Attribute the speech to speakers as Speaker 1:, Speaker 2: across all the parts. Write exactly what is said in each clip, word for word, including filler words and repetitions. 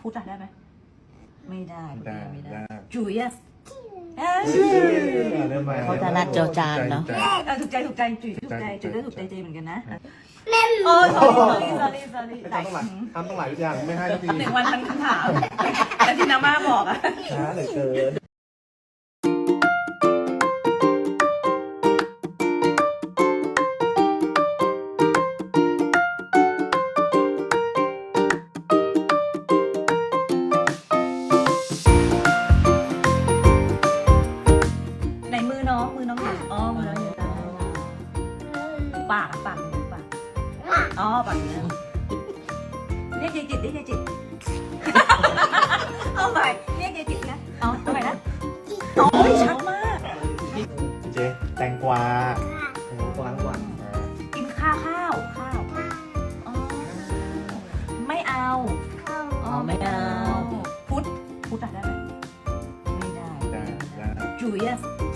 Speaker 1: พูดได้ไหมไม่ได้
Speaker 2: ได้
Speaker 1: ไม่ได้
Speaker 2: ได้
Speaker 1: จุ๋ยอะ
Speaker 3: เขาจะนัดเจอจานเนาะ
Speaker 1: เออถูกใจถูกใจจุ๋ยถูกใจจุ๋ยก็ถูกใจเจเหมือนกันนะโอ้ sorry sorry sorry sorry หลาย
Speaker 2: ทำต้องหลายทำต้องหลายอย่างไม่ให้ที
Speaker 1: หนึ่งวันพันคำถามแล้วที่น้าม่าบอกอะ
Speaker 2: ช้าเหลือเกิน
Speaker 1: ไหนมือน้องมือน้องอยู่อ๋อมือน้องอยู่ได้ปากอะปากอยู่ปากอ๋อปากอยู่นะเรียกยายจิตเรียกยายจิตเอาใหม่เรียกยายจิตนะเอาเอาใหม่นะโอ้ยชัดมาก
Speaker 2: เจ๊แตงกวาแตงกวาทั้งวัน
Speaker 1: กินข้าวข้าวข้าวอ๋อไม่เอาอ๋อไม่เอาพุทธพุทธอะได้ไหมไม่ได้
Speaker 2: ได้ได้
Speaker 1: จุ๋ยอะ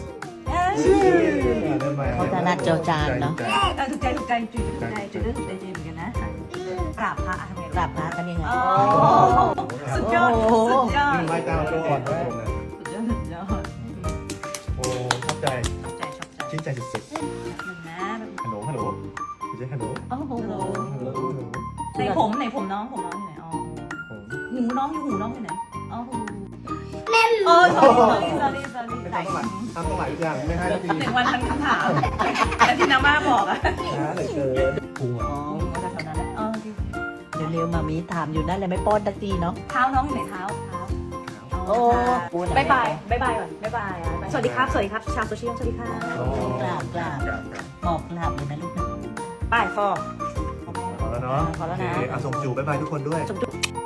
Speaker 3: เขาจะนัดเจอจานเนาะ
Speaker 1: เออถูกใจถูกใจจุ๋ยถูกใจจุ๋ยก็ถูกใจเจเหมือนกันนะกราบพระทำไง
Speaker 3: กราบพระกันยังไง
Speaker 1: โอ้สุดยอดสุดยอด
Speaker 2: ไหว้เจ้าทุกคนทุกคนนะ
Speaker 1: สุดยอดสุดยอด
Speaker 2: โอ้ชอบใจ
Speaker 1: ชอบใจชอบใจ
Speaker 2: ชื่นใจสุด
Speaker 1: หนึ่งนะ
Speaker 2: ๆฮัลโหลฮัลโหลเจ๊ฮัลโหล
Speaker 1: โอ้โห
Speaker 2: ฮัลโหลฮัลโหล
Speaker 1: ในผมในผมน้องผมน้องอยู่ไหนอ๋อ
Speaker 2: ผม
Speaker 1: หูน้องอยู่หูน้องอยู่ไหนอ๋อหูโอ้ sorry sorry sorry sorry หลาย
Speaker 2: ทำต้องหลายอย่างไม่ให้ที
Speaker 1: หนึ่งวันพันคำถามแล้วที่น้าม่าบอกอะ
Speaker 2: ช้าเหลือเกินพุง
Speaker 3: อ๋อ
Speaker 1: ก็จะเท่านั้นแหละอ๋อ
Speaker 3: เดี๋ยวเร็วมามีถามอยู่นั่นเลยไม่ป้อนตะตีเนาะ
Speaker 1: เท้าน้องอยู่ไหนเท้าเท้า
Speaker 3: โอ้
Speaker 1: บายบายบายบายก่อนบายบายอ่ะสวัสดีครับสวัสดีครับชาวโซเชียลสวัสดีค่ะ
Speaker 3: กราบกราบบอกกราบเลยนะลูกนะ
Speaker 1: ป้ายฟอ
Speaker 2: พอแล้วเนาะ
Speaker 1: พอแล้วนะ
Speaker 2: โเคอ่ะส่งจูบบ๊ายบายทุกคนด้วย
Speaker 1: จุ๊บ